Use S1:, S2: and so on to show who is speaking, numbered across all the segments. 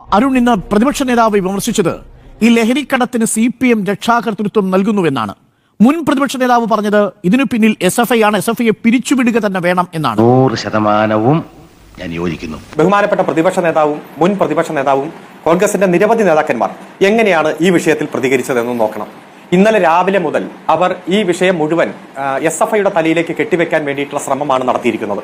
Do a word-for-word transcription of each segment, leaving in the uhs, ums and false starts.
S1: അരുൺ ഇന്ന് പ്രതിപക്ഷ നേതാവ് വിമർശിച്ചത് ഈ ലഹരിക്കടത്തിന് സി പി എം രക്ഷാകർതൃത്വം നൽകുന്നുവെന്നാണ്. മുൻ പ്രതിപക്ഷ നേതാവ് പറഞ്ഞത് ഇതിനു പിന്നിൽ എസ് എഫ് ഐ ആണ്, എസ് എഫ് ഐയെ പിരിച്ചുവിടുക തന്നെ വേണം എന്നാണ്.
S2: നൂറ് ശതമാനവും ഞാൻ യോജിക്കുന്നു.
S3: ബഹുമാനപ്പെട്ട പ്രതിപക്ഷ നേതാവും മുൻ പ്രതിപക്ഷ നേതാവും കോൺഗ്രസിന്റെ നിരവധി നേതാക്കന്മാർ എങ്ങനെയാണ് ഈ വിഷയത്തിൽ പ്രതികരിച്ചതെന്ന് നോക്കണം. ഇന്നലെ രാവിലെ മുതൽ അവർ ഈ വിഷയം മുഴുവൻ എസ് എഫ് ഐയുടെ തലയിലേക്ക് കെട്ടിവെക്കാൻ വേണ്ടിയിട്ടുള്ള ശ്രമമാണ് നടത്തിയിരിക്കുന്നത്.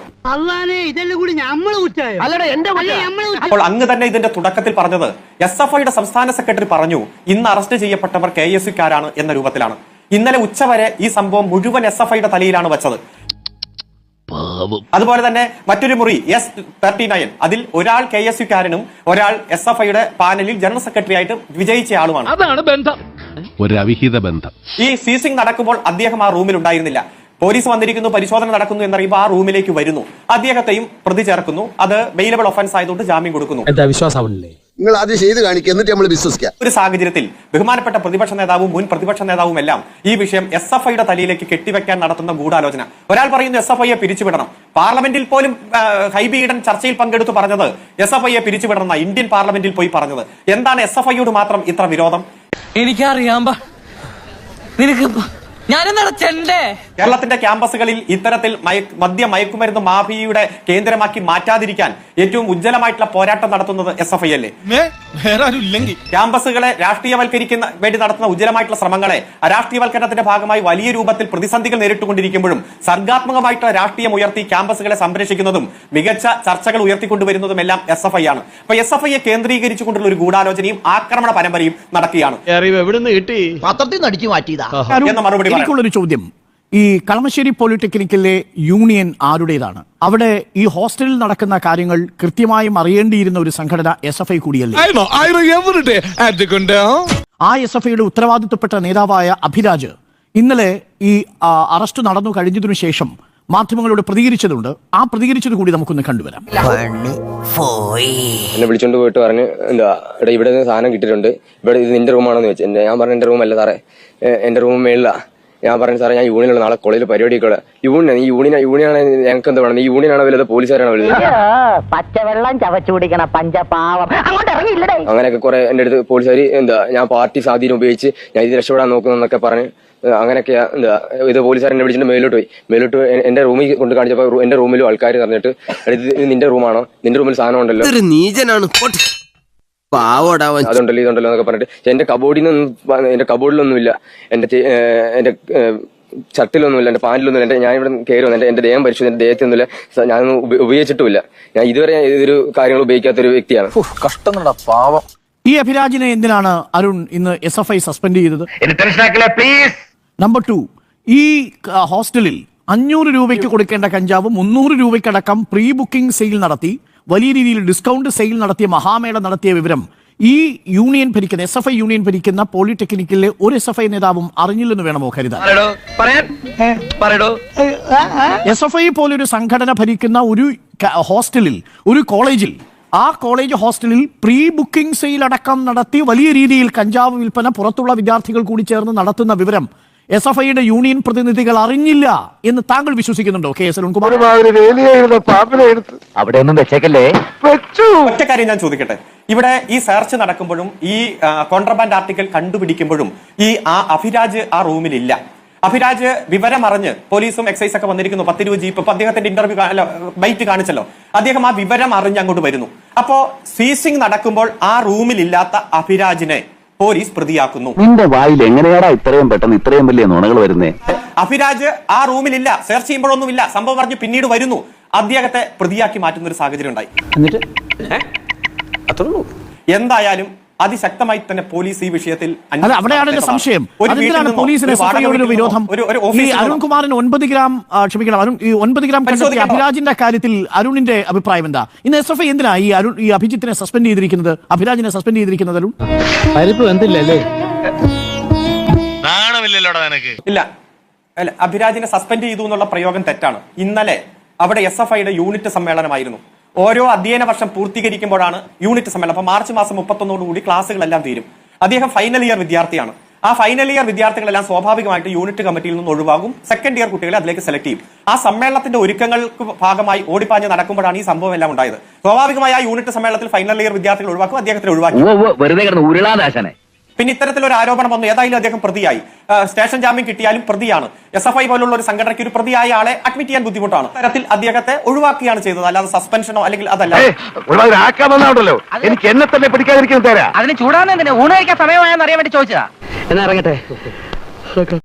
S3: അപ്പോൾ അങ്ങ് തന്നെ ഇതിന്റെ തുടക്കത്തിൽ പറഞ്ഞത് എസ് എഫ് ഐയുടെ സംസ്ഥാന സെക്രട്ടറി പറഞ്ഞു ഇന്ന് അറസ്റ്റ് ചെയ്യപ്പെട്ടവർ കെ എസ് യുക്കാരാണ് എന്ന രൂപത്തിലാണ്. ഇന്നലെ ഉച്ചവരെ ഈ സംഭവം മുഴുവൻ എസ് എഫ് ഐയുടെ തലയിലാണ് വെച്ചത്. അതുപോലെ തന്നെ മറ്റൊരു മുറി എസ് തേർട്ടി നയൻ അതിൽ ഒരാൾ കെ എസ് യുക്കാരനും ഒരാൾ എസ് എഫ് ഐയുടെ പാനലിൽ ജനറൽ സെക്രട്ടറി ആയിട്ട് വിജയിച്ച ആളുമാണ്.
S4: അതാണ് ബന്ധം, ഒരു അവിഹിത ബന്ധം.
S3: ഈ സീസിംഗ് നടക്കുമ്പോൾ അദ്ദേഹം ആ റൂമിൽ ഉണ്ടായിരുന്നില്ല. പോലീസ് വന്നിരിക്കുന്നു, പരിശോധന നടക്കുന്നു എന്നറിയുമ്പോൾ ആ റൂമിലേക്ക് വരുന്നു, അദ്ദേഹത്തെയും പ്രതി ചേർക്കുന്നു. അത് ബെയിലബിൾ ഒഫൻസ് ആയതുകൊണ്ട് ജാമ്യം കൊടുക്കുന്നു.
S5: നിങ്ങൾ ആദ്യം ചെയ്ത് കാണിക്കുക, എന്നിട്ട് നമ്മൾ വിശ്വസിക്കാം.
S3: ഒരു സാഹചര്യത്തിൽ ബഹുമാനപ്പെട്ട പ്രതിപക്ഷ നേതാവും മുൻ പ്രതിപക്ഷ നേതാവും എല്ലാം ഈ വിഷയം എസ് എഫ് ഐയുടെ തലയിലേക്ക് കെട്ടിവെക്കാൻ നടത്തുന്ന ഗൂഢാലോചന. ഒരാൾ പറയുന്നു എസ് എഫ് ഐയെ പിരിച്ചുവിടണം. പാർലമെന്റിൽ പോലും ഹൈബി ഈഡൻ ചർച്ചയിൽ പങ്കെടുത്ത് പറഞ്ഞത് എസ് എഫ് ഐയെ പിരിച്ചുവിടണം. ഇന്ത്യൻ പാർലമെന്റിൽ പോയി പറഞ്ഞത് എന്താണ് എസ് എഫ് ഐയോട് മാത്രം ഇത്ര വിരോധം?
S6: എനിക്കറിയാം. നിനക്ക്
S3: കേരളത്തിന്റെ ക്യാമ്പസുകളിൽ ഇത്തരത്തിൽ മദ്യ മയക്കുമരുന്ന് മാഫിയയുടെ കേന്ദ്രമാക്കി മാറ്റാതിരിക്കാൻ ഏറ്റവും ഉജ്ജ്വലമായിട്ടുള്ള പോരാട്ടം നടത്തുന്നത് എസ് എഫ് ഐ അല്ലേ? ക്യാമ്പസുകളെ രാഷ്ട്രീയവൽക്കരിക്കുന്ന വേണ്ടി നടത്തുന്ന ഉജ്ജ്വലമായിട്ടുള്ള ശ്രമങ്ങളെ അരാഷ്ട്രീയവൽക്കരണത്തിന്റെ ഭാഗമായി വലിയ രൂപത്തിൽ പ്രതിസന്ധികൾ നേരിട്ടുകൊണ്ടിരിക്കുമ്പോഴും സർഗാത്മകമായിട്ടുള്ള രാഷ്ട്രീയം ഉയർത്തി ക്യാമ്പസുകളെ സംരക്ഷിക്കുന്നതും മികച്ച ചർച്ചകൾ ഉയർത്തിക്കൊണ്ടുവരുന്നതും എല്ലാം എസ് എഫ് ഐ ആണ്. അപ്പൊ എസ് എഫ് ഐയെ കേന്ദ്രീകരിച്ചുകൊണ്ടുള്ള ഒരു ഗൂഢാലോചനയും ആക്രമണ പരമ്പരയും നടക്കുകയാണ്.
S1: എന്ന മറുപടി എനിക്കുള്ളൊരു ചോദ്യം, ഈ കളമശ്ശേരി പോളിടെക്നിക്കിലെ യൂണിയൻ ആരുടേതാണ്? അവിടെ ഈ ഹോസ്റ്റലിൽ നടക്കുന്ന കാര്യങ്ങൾ കൃത്യമായും അറിയേണ്ടിയിരുന്ന ഒരു സംഘടന എസ് എഫ് ഐ കൂടിയല്ലേ? ആ എസ് എഫ് ഐയുടെ ഉത്തരവാദിത്വപ്പെട്ട നേതാവായ അഭിരാജ് ഇന്നലെ ഈ അറസ്റ്റ് നടന്നു കഴിഞ്ഞതിനു ശേഷം മാധ്യമങ്ങളോട് പ്രതികരിച്ചതുണ്ട്. ആ പ്രതികരിച്ചത് കൂടി നമുക്കൊന്ന് കണ്ടുവരാം.
S7: എന്നെ വിളിച്ചോണ്ട് പോയിട്ട് പറഞ്ഞു എന്താ ഇവിടെ സാധനം കിട്ടിയിട്ടുണ്ട്, ഇവിടെ ഇത് നിന്റെ റൂമാണെന്ന് വെച്ചു. ഞാൻ പറഞ്ഞു എന്റെ റൂമല്ല സാറേ, എന്റെ റൂം മേളില. ഞാൻ പറഞ്ഞു സാറേ ഞാൻ യൂണിയനുള്ള നാളെ കോളേജിൽ പരിപാടിയൊക്കെ യൂണിയൻ ഈ യൂണിയൻ യൂണിയനാണ് ഞങ്ങൾക്ക് എന്താ പറയുന്നത്, ഈ യൂണിയനാണോ വലുത് പോലീസുകാരാണോ വലുത്?
S8: പച്ചവെള്ളം ചവച്ചു കുടിക്കണം പഞ്ചപാവം.
S7: അങ്ങനെയൊക്കെ കുറെ എന്റെ അടുത്ത് പോലീസുകാർ എന്താ ഞാൻ പാർട്ടി സ്വാധീനം ഉപയോഗിച്ച് ഞാൻ ഇത് രക്ഷപ്പെടാൻ നോക്കുന്നൊക്കെ പറഞ്ഞ് അങ്ങനെയൊക്കെ എന്താ ഇത് പോലീസുകാരനെ വിളിച്ചിട്ട് മേലോട്ട് പോയി. മേലോട്ട് എന്റെ റൂമിൽ കൊണ്ട് കാണിച്ചപ്പോൾ എന്റെ റൂമിലും ആൾക്കാർ പറഞ്ഞിട്ട് ഇത് നിന്റെ റൂമാണോ, നിന്റെ റൂമിൽ സാധനം ഉണ്ടല്ലോ, അതുണ്ടല്ലോ ഇതുണ്ടല്ലോ എന്നൊക്കെ പറഞ്ഞിട്ട് എന്റെ കബോർഡിൽ നിന്നും എന്റെ കബോർഡിലൊന്നുമില്ല, എന്റെ എന്റെ ഷർട്ടിലൊന്നുമില്ല, എന്റെ പാന്റിലൊന്നുമില്ല, എന്റെ ഞാൻ ഇവിടെ കയറി വന്നു എന്റെ ദേഹം പരിശോധിച്ചു, എന്റെ ദേഹത്തൊന്നുമില്ല, ഞാനൊന്നും ഉപയോഗിച്ചിട്ടുമില്ല. ഞാൻ ഇതുവരെ ഇതൊരു കാര്യങ്ങൾ ഉപയോഗിക്കാത്ത ഒരു വ്യക്തിയാണ്.
S2: കഷ്ടം പാവം.
S1: ഈ അഭിരാജിനെ എന്തിനാണ് അരുൺ ഇന്ന് എസ് എഫ് ഐ സസ്പെൻഡ് ചെയ്തത്? നമ്പർ ടു, ഈ ഹോസ്റ്റലിൽ അഞ്ഞൂറ് രൂപയ്ക്ക് കൊടുക്കേണ്ട കഞ്ചാവ് മുന്നൂറ് രൂപയ്ക്കടക്കം പ്രീ ബുക്കിംഗ് സെയിൽ നടത്തി വലിയ രീതിയിൽ ഡിസ്കൗണ്ട് സെയിൽ നടത്തിയ മഹാമേള നടത്തിയ വിവരം ഈ യൂണിയൻ ഭരിക്കുന്ന എസ് എഫ് ഐ യൂണിയൻ ഭരിക്കുന്ന പോളിടെക്നിക്കിലെ ഒരു എസ് എഫ് ഐ നേതാവും അറിഞ്ഞില്ലെന്ന് വേണമോ കരുതാൻ? എസ് എഫ് ഐ പോലൊരു സംഘടന ഭരിക്കുന്ന ഒരു ഹോസ്റ്റലിൽ, ഒരു കോളേജിൽ, ആ കോളേജ് ഹോസ്റ്റലിൽ പ്രീ ബുക്കിംഗ് സെയിൽ അടക്കം നടത്തി വലിയ രീതിയിൽ കഞ്ചാവ് വിൽപ്പന പുറത്തുള്ള വിദ്യാർത്ഥികൾ കൂടി ചേർന്ന് നടത്തുന്ന വിവരം എസ് എഫ് ഐയുടെ യൂണിയൻ പ്രതിനിധികൾ അറിഞ്ഞില്ല എന്ന് താങ്കൾ വിശ്വസിക്കുന്നുണ്ടോ കെ എസ് അരുൺകുമാർ?
S2: അവിടെ ഒന്നും വെച്ചേക്കല്ലേ.
S3: ഒറ്റ കാര്യം ഞാൻ ചോദിക്കട്ടെ, ഇവിടെ ഈ സെർച്ച് നടക്കുമ്പോഴും ഈ കോൺട്രബാൻഡ് ആർട്ടിക്കൽ കണ്ടുപിടിക്കുമ്പോഴും ഈ ആ അഭിരാജ് ആ റൂമിലില്ല. അഭിരാജ് വിവരമറിഞ്ഞ് പോലീസും എക്സൈസ് ഒക്കെ വന്നിരിക്കുന്നു, പത്തിരുപത് ജീപ്പ്, ഇപ്പൊ അദ്ദേഹത്തിന്റെ ഇന്റർവ്യൂ ബൈറ്റ് കാണിച്ചല്ലോ, അദ്ദേഹം ആ വിവരം അറിഞ്ഞ് അങ്ങോട്ട് വരുന്നു. അപ്പോ സീസിംഗ് നടക്കുമ്പോൾ ആ റൂമിലില്ലാത്ത അഭിരാജിനെ പോലീസ് പ്രതിയാക്കുന്നു.
S2: നിന്റെ വായിൽ എങ്ങനെയാടാ ഇത്രയും പെട്ടെന്ന് ഇത്രയും വലിയ നുണകൾ വരുന്നേ?
S3: അഭിരാജ് ആ റൂമിലില്ല, സെർച്ച് ചെയ്യുമ്പോഴൊന്നുമില്ല, സംഭവം പറഞ്ഞ് പിന്നീട് വരുന്നു, അദ്ദേഹത്തെ പ്രതിയാക്കി മാറ്റുന്ന ഒരു സാഹചര്യം ഉണ്ടായി. എന്തായാലും അതിശക്തമായി തന്നെ പോലീസ് ഈ വിഷയത്തിൽ
S1: അവിടെയാണ് സംശയം. അരുൺകുമാറിന് ഒൻപത് ഗ്രാം ക്ഷമിക്കണം അരുൺ ഈ ഒൻപത് ഗ്രാം അഭിരാജിന്റെ കാര്യത്തിൽ അരുണിന്റെ അഭിപ്രായം എന്താ? ഇന്ന് എസ് എഫ് ഐ എന്തിനാ ഈ അരുൺ ഈ അഭിജിത്തിനെ സസ്പെൻഡ് ചെയ്തിരിക്കുന്നത്, അഭിരാജിനെ സസ്പെൻഡ് ചെയ്തിരിക്കുന്നത്? അരുൺ
S3: ഇല്ല അല്ല, അഭിരാജിനെ സസ്പെൻഡ് ചെയ്തു എന്നുള്ള പ്രയോഗം തെറ്റാണ്. ഇന്നലെ അവിടെ എസ് എഫ് ഐയുടെ യൂണിറ്റ് സമ്മേളനമായിരുന്നു. ഓരോ അധ്യയന വർഷം പൂർത്തീകരിക്കുമ്പോഴാണ് യൂണിറ്റ് സമ്മേളനം. അപ്പൊ മാർച്ച് മാസം മുപ്പത്തൊന്നോടുകൂടി ക്ലാസ്സുകളെല്ലാം തീരും. അദ്ദേഹം ഫൈനൽ ഇയർ വിദ്യാർത്ഥിയാണ്. ആ ഫൈനൽ ഇയർ വിദ്യാർത്ഥികളെല്ലാം സ്വാഭാവികമായിട്ട് യൂണിറ്റ് കമ്മിറ്റിയിൽ നിന്ന് ഒഴിവാകും. സെക്കൻഡ് ഇയർ കുട്ടികളെ അതിലേക്ക് സെലക്ട് ചെയ്യും. ആ സമ്മേളനത്തിന്റെ ഒരുക്കങ്ങൾക്ക് ഭാഗമായി ഓടിപ്പാഞ്ഞ് നടക്കുമ്പോഴാണ് ഈ സംഭവം എല്ലാം ഉണ്ടായത്. സ്വാഭാവികമായി ആ യൂണിറ്റ് സമ്മേളനത്തിൽ ഫൈനൽ ഇയർ വിദ്യാർത്ഥികൾ ഒഴിവാക്കും, അദ്ദേഹത്തിന് ഒഴിവാക്കി.
S2: വെറുതെ കിടന്ന് ഉരുളാദാശനെ.
S3: പിന്നെ ഇത്തരത്തിലൊരു ആരോപണം വന്നു. ഏതായാലും അദ്ദേഹം പ്രതിയായി, സ്റ്റേഷൻ ജാമ്യം കിട്ടിയാലും പ്രതിയാണ്. എസ് എഫ് ഐ പോലുള്ള ഒരു സംഘടനയ്ക്ക് ഒരു പ്രതിയായ ആളെ അഡ്മിറ്റ് ചെയ്യാൻ ബുദ്ധിമുട്ടാണ്. തരത്തിൽ അദ്ദേഹത്തെ ഒഴിവാക്കുകയാണ് ചെയ്തത്, അല്ലാതെ സസ്പെൻഷനോ അല്ലെങ്കിൽ അതല്ല.
S2: എനിക്ക് എന്നെ തന്നെ പിടിക്കാതിരിക്കുന്നു തരാം.
S6: അതിന് ചൂടാന്ന് ഊണ് കഴിക്കാൻ സമയമായെന്ന് അറിയാൻ വേണ്ടി ചോദിച്ചതാ.
S2: എന്നാ ഇറങ്ങട്ടെ.